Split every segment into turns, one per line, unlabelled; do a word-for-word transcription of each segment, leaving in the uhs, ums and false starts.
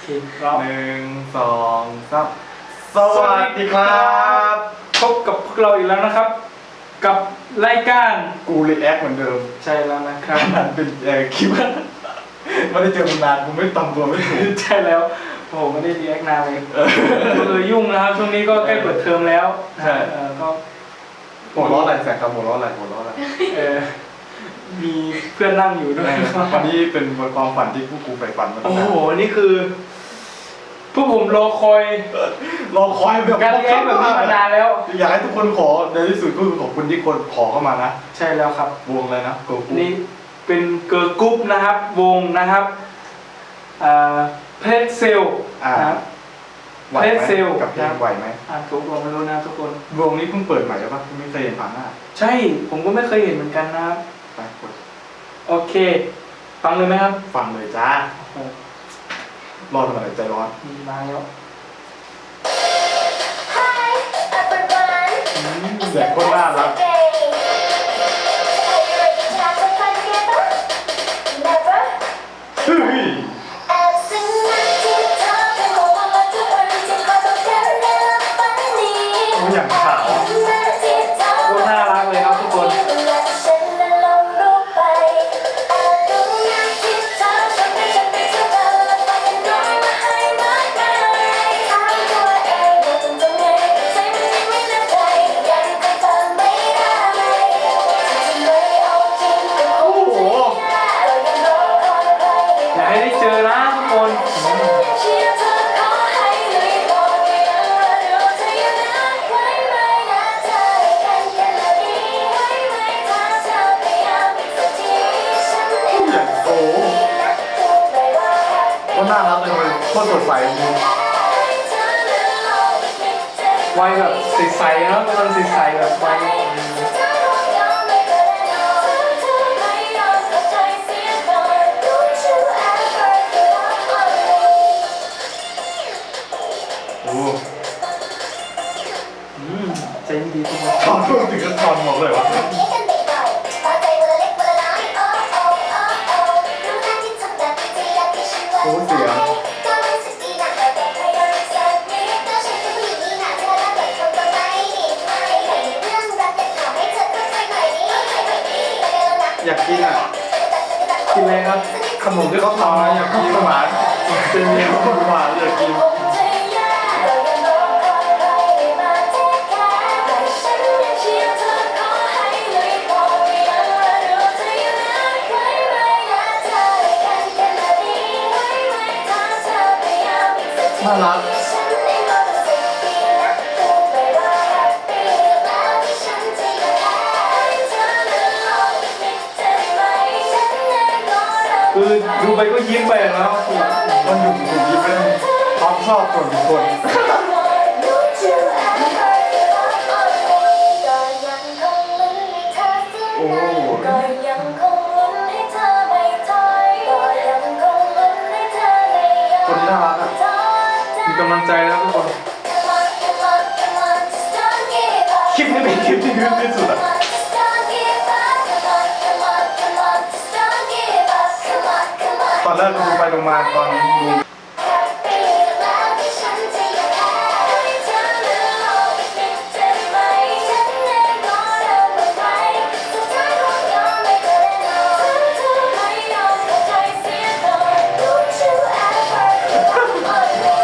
เคครับ
หนึ่งสองสามสวัสดีครับ
พบกับพวกเราอีกแล้วนะครับ กับรายการ
กูรีแอคเหมือนเดิม
ใช่แล้วนะครับ
มันเป็นเอ่อคลิปไม่ได้เจอมานานกูไม่ตำตัวไม่ถูก
ใช่แล้วโอ้โหไม่ได้รีแอคนานเลยเออยุ่งนะครับช่วงนี้ก็ใกล้เปิดเทอมแล้วใช่เออก็
หัวล้ออะไรแสกครับหัวล้ออะไรหัวล้ออะไร
เออมีเพื่อนนั่งอยู่ด้วย
วันนี้เป็นความฝันที่พวกกูใฝ่ฝันมาตั้
โอ้
งนาน
โหนี่คือพวกผมรอคอย
รอคอยแบบ
การรีแอคแบบนี้มานานแล้ว
อยากให้ทุกคนขอในที่สุดก็คือขอบคุณที่คนขอเข้ามานะ
ใช่แล้วครับ
วงอะไรนะโกกู
นี่เป็นเกิร์ลกรุ๊ปนะครับวงนะครับเพลสเซลนะครับ
ไหวไหม
เพลซ
กับเพลงไหวไหม
อ่านถูกลงไม่รู้นะทุกคน
วงนี้เพิ่งเปิดใหม่ใช่ปะไม่เคยเห็นผ่านหน้า
ใช่ผมก็ไม่เคยเห็นเหมือนกันนะครับ
ไปกด
โอเค ฟังเลยไหมครับ
ฟังเลยจ้า
โอ้โห
รอทำอะไรใจร้อน
มีมาแล้ว
Hi everyone.
เสียงโคตรน่ารัก
Are you ready to have some fun together? Never.
เฮ้ย
And sing that to top and hold on like you're ready to cause I'm tearing it up funny.
โอ้ยอย่างขาว
Sing that to top
โคตรน่ารักเลยครับทุกคน
และฉันและลงรูปไป And do that to top ฉันไม่ฉันไม่เท่ากันและฟังกันน้อยมาให้มากมายถามตัวเองว่าต้องทำไงใจมันยังไม่แน่ใจยังคงฟังไม่ได้จะไม่เอาจริงก็คงจะยากเรายังรอคอยใคร
อยากให้ได้เจอนะทุกคน
ฉันยังเชียร์เธอขอให้ลุยบอกว่ายังรอดูเธอยังรักไว้ไหมนะเธอกันกันและดีไว้ไหมถ้าเธอพยายามอีกสักทีฉันเอง
อย่างโอ้
รักเธอไปว่าแฮปปี้
ก็น่ารักเลยมันโคตรสดใสจริง
ไวแบบใสๆเนาะกำลังใสๆแบบไว
โอ้
อืมใจดีทุกคน
ตอนพูดถึงก็ตอนหมดเลยวะโอ้เสียง อยากกินอ่ะ
กินอะไรครับ
ขนมที่เขาทำนะอยากกินหวานเป็นเมนูหวานอยากกินน่ารัก
คือดูไปก็ยิ้มไปแล้ว
มันอยู่ถูกยิ้มเป็นความชอบส่วนบุคคลโอ้
ก็ยังคงลุ้นให้เธอไม่ถอยก็ยังคงลุ้นให้เธอไม่ยอม
คนนี้น่ารักอ่ะ
มีกำลังใจแล้วทุกคน
Come on, come on, come on, just don't give up.
คลิปนี้เป็นคลิปที่ฮึ่ที่สุดอ่ะ
Come on, just don't give up. Come on, come on, come on, just don't give up. Come on, come on.
ตอนแรกดูไปดูมาตอนดู
Happy แล้วที่ฉันจะยังแพ้ให้เธอนั้นลองอีกนิดได้ไหมฉันเองก็เริ่มไม่ไหวสุดท้ายคงยอมไม่ได้แน่นอนเธอไม่ยอมเข้าใจเสียก่อน Don't you ever give up on me.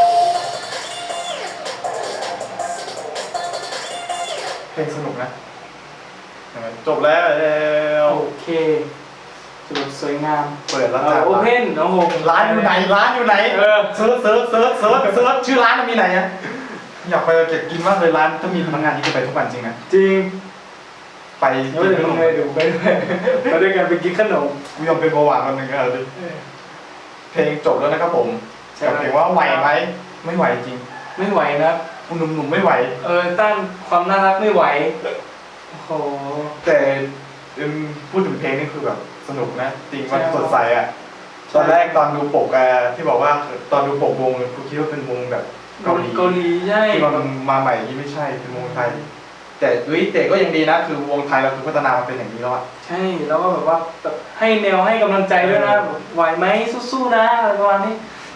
เพลงสนุกนะเห็นไหมจบแล้ว
โอเคสวยสวยงาม
เปิดแล้ว
เอ
จ้า
อโอเพนโอ้โห
ร้านอยู่ไหนร้านอยู่ไหน
เออ
เซิร์ชเซิร์ชเซิร์ชเซิร์ชเซิร์ชชื่อร้านมันมีไหนอะอยากไปเก็บกินมากเลยร้านถ้ามีพนักงานที่จะไปทุกวันจริงนะ
จริง
ไป
เดี๋ยวเดี๋ยวไปดูไปด้วยไปด้วยกันไปกินขนม
กูยอมเป็นเบาหวานวันหนึ่งก็เอาดิเพลงจบแล้วนะครับผมกับเพลงว่าไหวไหมไม่ไหวจริง
ไม่ไหวนะครับ
คุณหนุ่มๆไม่ไหว
เออต้านความน่ารักไม่ไหวโอ้โห
แต่เอิ่มพูดถึงเพลงนี่คือแบบสนุกนะจริงมัน
ใช่
สดใสอ่ะ ตอนแรกตอนดูปกอะที่บอกว่าตอนดูปกวงกูคิดว่าเป็นวงแบบเกาหลี
เกาหลีใช่
ที่มันมาใหม่ที่ไม่ใช่เป็นวงไทย แต่เฮ้ยแต่ก็ยังดีนะคือวงไทยเราคือพัฒนามาเป็นอย่างนี้แล้วอะ
ใช่แล้วก็แบบว่าแบบให้แนวให้กำลังใจด้วยนะแบบไหวไหมสู้ๆนะอะไรประมาณนี้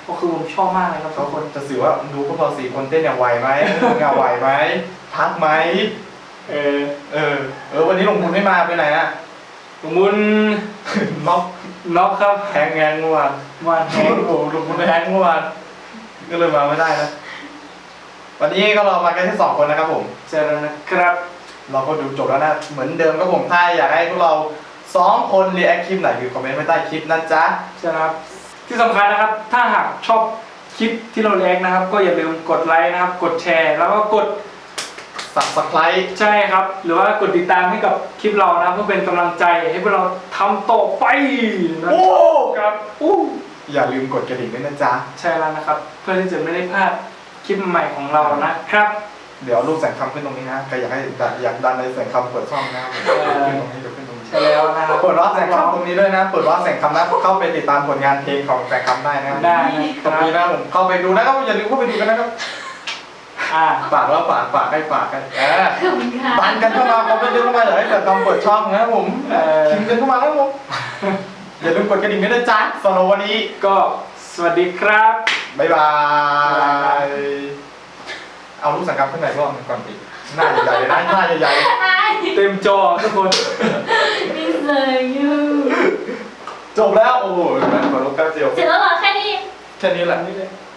ก็คือผมชอบมากเลยครับทุ
เขา
กคน
จะสื่อว่าดูพวกเราสี่คนเต้นเนี่ยไหวไหมมึงอะไหวไหมพักไหม
เออ
เออเออวันนี้หลวงพุนไม่มาไปไหนอะ
หลวงมุน
น็อก
น็อกครับ
แฮงแงงเมื่อวาน
วันแฮง
โอ้โหหลวงพุนแฮงเมื่อวานก็เลยมาไม่ได้นะวันนี้ก็เรามากันแค่สองคนนะครับผม
เจอแล้วนะครับ
เราก็ดูจบแล้วนะเหมือนเดิมครับผมถ้าอยากให้พวกเราสองคนรีแอคคลิปไหนคือคอมเมนต์ไว้ใต้คลิปนะจ๊ะ
ใช่ครับที่สำคัญนะครับ ถ้าหากชอบคลิปที่เราแลกนะครับ ก็อย่าลืมกดไลค์นะครับ กดแชร์ แล้วก็กด
Subscribe
ใช่ครับ หรือว่ากดติดตามให้กับคลิปเรานะครับเพื่อเป็นกำลังใจให้พวกเราทำต่อไปนะ
โอ้
ครับอู้
อย่าลืมกดกระดิ่งด้วยนะจ๊ะ
ใช่แล้วนะครับ เพื่อที่จะไม่ได้พลาดคลิปใหม่ของเรานะครับ
เดี๋ยวรูปแสงคำขึ้นตรงนี้นะใครอยากให้ดันอยากดันในแสงคำเปิดช่องนะครับผม
เออ
ขึ้นตรงนี้เดี๋ยวขึ้นตรงนี้
ใช่แล้วนะครับ
เปิดว่าแสงคำตรงนี้ด้วยนะเปิดว่าแสงคำนะเข้าไปติดตามผลงานเพลงของแสงคำได้นะครับ
ได้นะค
ตรง
รับ
นี้นะผมเข้าไปดูนะครับอย่าลืมเข้าไปดูกันนะครับ
อ่า
ฝากแล้วฝากฝากให้ฝากกันเออ
ขอบคุณค่ะ
ดันกันเข้ามาคอมเมนต์เยอะเข้ามาอยากให้แสงคำเปิดช่องนะครับผม
เออ
พิมพ์กันเข้ามานะครับผมอย่าลืมกดกระดิ่งด้วยนะจ๊ะสำหรับวันนี้
ก็สวัสดีครับ
บ๊ายบาย เอารูปสังกัดขึ้นไหนรอบหนึงก่อนอีกหน้าใหญ่ๆเลยนะหน้าใหญ่
เต็มจอทุกคน
นี่เลยยู
ๆจบแล้ว โอ้โหขอรูปแป๊บเดียว
เสร็จแล้วเหรอแค่นี้
แค่นี้แหละ
นี่เลย